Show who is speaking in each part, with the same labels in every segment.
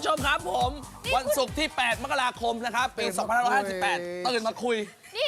Speaker 1: ผู้ชมครับผมวันศุกร์ที่ 8 มกราคมนะครับปี 2558 ตื่นมาคุย
Speaker 2: นี่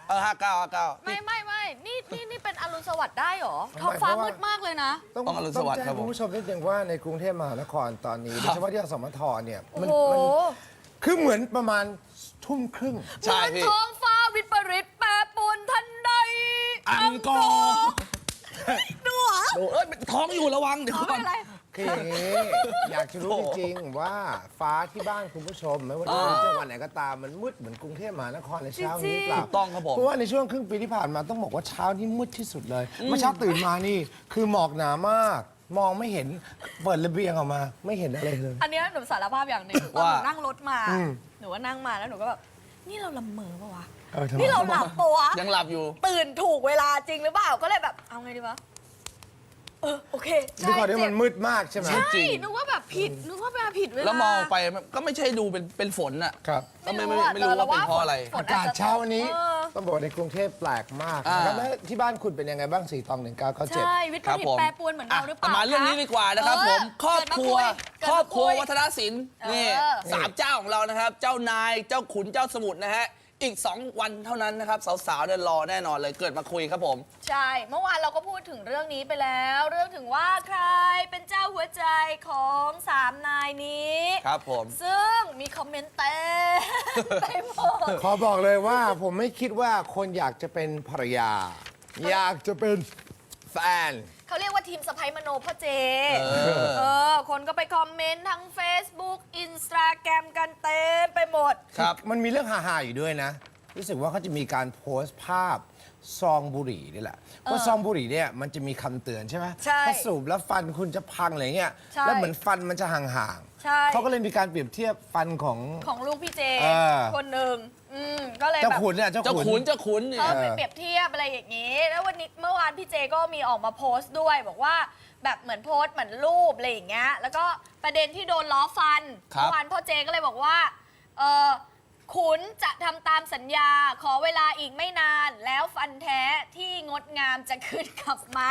Speaker 1: 59
Speaker 2: ไม่นี่เป็นอรุณสวัสดิ์ได้เหรอท้องฟ้ามืดมากเลยนะ
Speaker 1: ต้องอรุณสวัสดิ์ครับผม
Speaker 3: คุณผู้ชมนิดนึงว่าในกรุงเทพมหานครตอนนี้โดยเฉพาะที่สมทเนี่ย
Speaker 2: โอ้
Speaker 3: มัน
Speaker 2: โห
Speaker 3: คือเหมือนประมาณทุ่มครึ่ง
Speaker 1: ใช่พี่
Speaker 2: ท้องฟ้าวิปริตแปรปรวนทันใด
Speaker 1: อังกอร์
Speaker 2: ดูเหรอ
Speaker 1: เอ้ยท้องอยู่ระวังเดี๋ยว
Speaker 2: เอา
Speaker 1: ก่
Speaker 2: ไม่
Speaker 1: อน
Speaker 2: เป็นไร
Speaker 3: คืออย่างนี้อยากจะรู้จริงๆว่าฟ้าที่บ้านคุณผู้ชมไม่ว่าจะเป็นจังหวัดไหนก็ตามมันมืดเหมือนกรุงเทพมหานครในเช้านี้หรือเปล่า
Speaker 1: ถูกต้องครับผม
Speaker 3: เพราะว่าในช่วงครึ่งปีที่ผ่านมาต้องบอกว่าเช้านี้มืดที่สุดเลยเมื่อเช้าตื่นมานี่คือหมอกหนามาก มองไม่เห็นเปิดระเบียงออกมาไม่เห็นอะไรเลย
Speaker 2: อันเนี้ยหนูสารภาพอย่างหนึ่งตอนหนูนั่งรถมา หนูว่านั่งมาแล้วหนูก็แบบนี่เราละเมอปะวะ
Speaker 3: ทำไม
Speaker 2: นี่เราหลับปะวะ
Speaker 1: ยังหลับอยู่
Speaker 2: ตื่นถูกเวลาจริงหรือเปล่าก็เลยแบบเอาไงดีวะโอเค
Speaker 3: ด้วยความที่มันมืดมากใช่ไหม
Speaker 2: ใช่
Speaker 1: จริง
Speaker 2: นึกว่าแบบผิดนึกว่ามาผิดเวลา
Speaker 1: แล้วมองไปมันก็ไม่ใช่ดูเป็นฝนน่ะ
Speaker 3: ครับ
Speaker 1: ก็ไม่รู้ว่าเป็นเพราะอะไร
Speaker 2: ฝน
Speaker 3: อากาศเช้าวันนี้
Speaker 2: เออ
Speaker 3: ต้องบอกว่าในกรุงเทพแปลกมากนะครับแล้วที่บ้านคุณเป็นยังไงบ้าง4 ตอง 1997
Speaker 2: ใช่วิทย์
Speaker 1: ครับ
Speaker 2: ผลิต
Speaker 1: ผม
Speaker 2: แปรปรวนเหมือนเราหรือเปล่า
Speaker 1: มาเรื่องนี้ดีกว่านะครับผมครอบครัว
Speaker 2: เกิ
Speaker 1: ค
Speaker 2: ด
Speaker 1: ร
Speaker 2: มา
Speaker 1: อบครัว
Speaker 2: คุย
Speaker 1: วัฒนศิลป์นี่
Speaker 2: เออ
Speaker 1: สามเจ้าของเรานะครับ เจ้านายเจ้าขุนเจ้าสมุทรนะฮะอีก 2 วันเท่านั้นนะครับสาวๆเนี่ยรอแน่นอนเลยเกิดมาคุยครับผม
Speaker 2: ใช่ เมื่อวานเราก็พูดถึงเรื่องนี้ไปแล้ว เรื่องถึงว่าใครเป็นเจ้าหัวใจของ3 นายนี้
Speaker 1: ครับผม
Speaker 2: ซึ่งมีคอมเมนต์เต็มไปหมด
Speaker 3: ขอบอกเลยว่าผมไม่คิดว่าคนอยากจะเป็นภรรยา อยากจะเป็นแฟน
Speaker 2: เขาเรียกว่าทีมสไปมโนพ่อเจ คนก็ไปคอมเมนต์ทั้ง Facebook Instagram กันเต็มไปหมด
Speaker 1: ครับ
Speaker 3: มันมีเรื่องฮาๆอยู่ด้วยนะ รู้สึกว่าเขาจะมีการโพสต์ภาพซองบุหรี่นี่แหละเพราะซองบุหรี่เนี่ยมันจะมีคำเตือนใช่ไหม
Speaker 2: ใช่
Speaker 3: ถ้าสูบแล้วฟันคุณจะพังอะไรเงี้ย
Speaker 2: ใช่
Speaker 3: แล้วเหมือนฟันมันจะห่าง
Speaker 2: ใช่
Speaker 3: ๆเขาก็เลยมีการเปรียบเทียบฟันของ
Speaker 2: ของลูกพี่เจ
Speaker 3: เออ
Speaker 2: คนหนึ่งก็เลย
Speaker 3: เจ้า
Speaker 2: แบบ
Speaker 3: ขุนเนี่ยเจ้า
Speaker 1: เจ้า
Speaker 3: ขุน
Speaker 1: ขุนเจ้าขุนเนี่ย
Speaker 2: เขาไปเปรียบเทียบอะไรอย่างนี้ แล้ววันนี้เมื่อวานพี่เจก็มีออกมาโพสต์ด้วย บอกว่าแบบเหมือนโพสต์เหมือนรูปอะไรอย่างเงี้ย แล้วก็ประเด็นที่โดนล้อฟัน
Speaker 1: ครับ
Speaker 2: เมื่อวานพ่อเจก็เลยบอกว่าขุนจะทำตามสัญญา ขอเวลาอีกไม่นาน แล้วฟันแท้ที่งดงามจะขึ้นกลับมา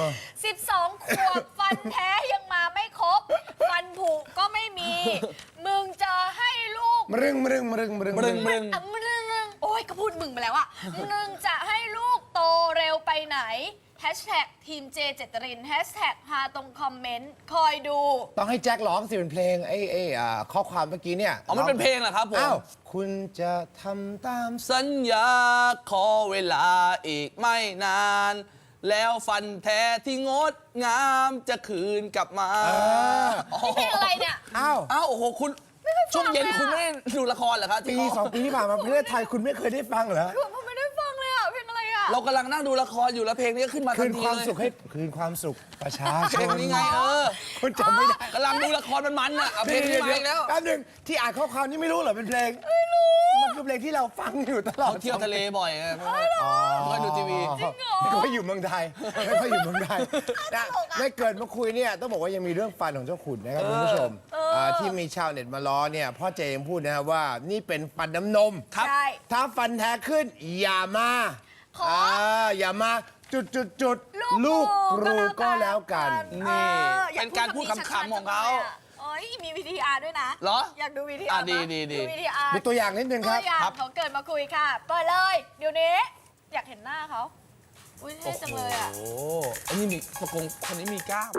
Speaker 2: 12 ขวบฟันแท้ยังมาไม่ครบ ฟันผุก็ไม่มี มึงจะให้ลูก
Speaker 3: มรึงมรึงมรึงมรึง
Speaker 1: มึง
Speaker 2: อ่ะมึงโอ้ยก็พูดมึงไปแล้วอะมึงจะให้ลูกโตเร็วไปไหนแฮชแท็กทีมเจเจตรินแฮชแท็กฮาตรงคอมเมนต์คอยดู
Speaker 3: ต้องให้แจ็คร้องสิเป็นเพลงข้อความเมื่อกี้เนี่ย
Speaker 1: อ๋อมันเป็นเพลงเหรอครับผม
Speaker 3: อ้าวคุณจะทำตาม
Speaker 1: สัญญาขอเวลาอีกไม่นาน แล้วฟันแท้ที่งดงามจะคืนกลับมา
Speaker 2: นี่เพลงอะไรเนี่ย
Speaker 3: อ้าว
Speaker 1: อ้าวโอ้โหคุณช่วงเย็นคุณไม่ได้ดูละครเหรอครับ
Speaker 3: ปี2 ปีที่ผ่านมาประเทศไทยคุณไม่เคยได้ฟังเหรอ
Speaker 2: ผมไม่ได้ฟังเลยอะเพลงอะไรอะ
Speaker 1: เรากำลังนั่งดูละครอยู่แล้วเพลงนี้ก็ขึ้นมาทั
Speaker 3: คื
Speaker 1: น
Speaker 3: น
Speaker 1: ที
Speaker 3: ความ
Speaker 1: เลย
Speaker 3: สุขให้คืนความสุขประชาช
Speaker 1: เพลง
Speaker 3: น
Speaker 1: นี้ไง
Speaker 3: คุณจำไม่ได้
Speaker 1: กำลังดูละครมันๆอ่ะเอาเพลงนี้มาอีกแล้ว
Speaker 3: แป๊บนึงที่อ่านข้อความนี่ไม่รู้เหรอเป็นเพลงไม่รู้มันคือเพลงที่เราฟังอยู่ตลอด
Speaker 1: เขาเที่ยวทะเลบ่อยไงไม่ค่อยดูทีวี
Speaker 3: ไม่ค่อยอยู่เมืองไทยไม่ค่อยอยู่เมืองไทยนะไม่เกิดมาคุยเนี่ยต้องบอกว่ายังมีเรื่องฟันของเจ้าขุนนะครับคุณผู้ชมที่มีชาวเน็ตมาล้อเนี่ยพ่อเจมพูดนะครับว่านี่เป็นฟันน้ำนม
Speaker 1: ครับ
Speaker 2: ใช่
Speaker 3: ถ้าฟันแท้ขึ้นอย่ามา
Speaker 2: ขอ
Speaker 3: อย่ามาจุดลูกกรูก็แล้วกัน
Speaker 1: นี่
Speaker 2: อย
Speaker 1: เป็นการพูด
Speaker 2: แบบนี้
Speaker 1: ขำๆของเขา
Speaker 2: ชัดๆจัลยะโอ้ยมีวิธีอาร์ด้วยนะ
Speaker 1: เหรอ
Speaker 2: อยากดูวิธี
Speaker 1: อ่ะ
Speaker 2: อาร์
Speaker 1: ดีดี
Speaker 2: วิธีอาร์
Speaker 3: ดูตัวอย่างนิดนึงครับ
Speaker 2: ตัวอย่างเขาเกิดมาคุยค่ะเปิดเลยเดี๋ยวนี้ อยากเห็นหน้าเขาอุ้ยเท่จังเลยอะ
Speaker 1: โอ้โหอันนี้มีประกงคนนี้มีกล้าม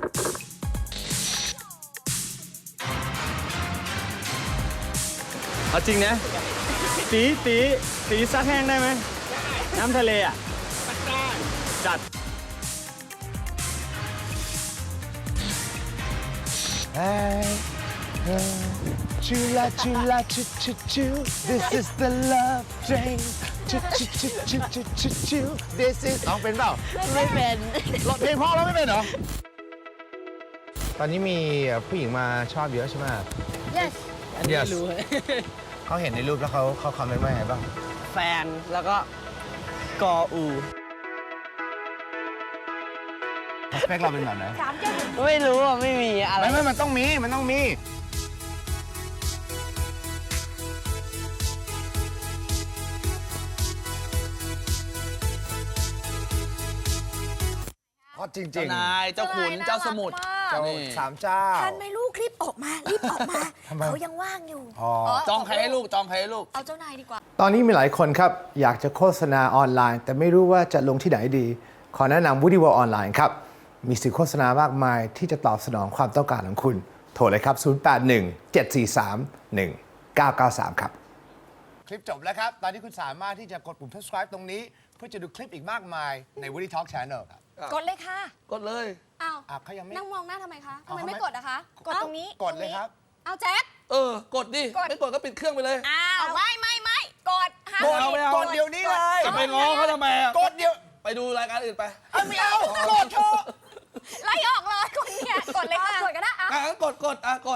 Speaker 4: เอาจริงนะตีซักแห้งได้ไหมน้ำทะเลอ่ะจัด
Speaker 3: Chula chula chu chu chu This is the love train Chu chu chu chu chu chu chu This is ร้องเป็นเปล่า
Speaker 2: ไม่เป็น
Speaker 3: ร้องเพลงพ่อร้องไม่เป็นเหรอ ตอนนี้มีผู้หญิงมาชอบเยอะใช่ไหม
Speaker 2: yes
Speaker 3: Yes เขาเห็นในรูปแล้วเขาคอมเมนต์ว่าไงบ้าง
Speaker 5: แฟนแล้วก็กออู
Speaker 3: สเปคเราเป็นแบบไหน
Speaker 5: ไม่รู้อ่ะ ไม่มีอะไร
Speaker 3: ไม่มันต้องมีฮอตจริง
Speaker 1: เจ้านายเจ้าขุนเจ้าสมุทร
Speaker 3: เจ้า
Speaker 1: นี่
Speaker 3: สามเจ้า
Speaker 2: ทันไหมลูกคลิป โอ้อกมา รีบออกมา
Speaker 3: ทำไม
Speaker 2: เขายังว่างอยู่
Speaker 1: จองใครให้ลูก จองใครให้ลูก
Speaker 2: เอาเจ้านายดีกว่า
Speaker 3: ตอนนี้มีหลายคนครับ อยากจะโฆษณาออนไลน์ แต่ไม่รู้ว่าจะลงที่ไหนดี ขอแนะนำ Woody World ออนไลน์ครับ มีสื่อโฆษณามากมายที่จะตอบสนองความต้องการของคุณ โทรเลยครับ 081-743-1993 ครับ คลิปจบแล้วครับ ตอนนี้คุณสามารถที่จะกดปุ่ม subscribe ตรงนี้ เพื่อจะดูคลิปอีกมากมายใน Woody Talk Channel ครับ
Speaker 2: กดเลยค่ะ
Speaker 1: กดเลย
Speaker 2: อ้าว
Speaker 3: เขายังไม่
Speaker 2: นั่งมองหน้าทำไมคะทำ
Speaker 3: เอา
Speaker 2: ไม
Speaker 3: ทำไม
Speaker 2: ไม่กดอะคะ กดตรงนี้
Speaker 3: กดเลยครับ
Speaker 2: เอาแจ็ค
Speaker 1: กดดิ
Speaker 2: กด
Speaker 1: ไม่กดก็ปิดเครื่องไปเลย
Speaker 2: อ้าวไม่กดห้าม
Speaker 1: กดเอาไม่เอา
Speaker 3: กดเดี๋ยวนี้เลย
Speaker 1: จะไปง้อเขาทำไมอะ
Speaker 3: กดเดี๋ยว
Speaker 1: ไปดูรายการอื่นไป
Speaker 3: ไม่เอา กดเถอะ
Speaker 2: ไล่ออกเลยคนเนี่ยกดเลยค่ะ กดก็ได้
Speaker 1: งั้นกด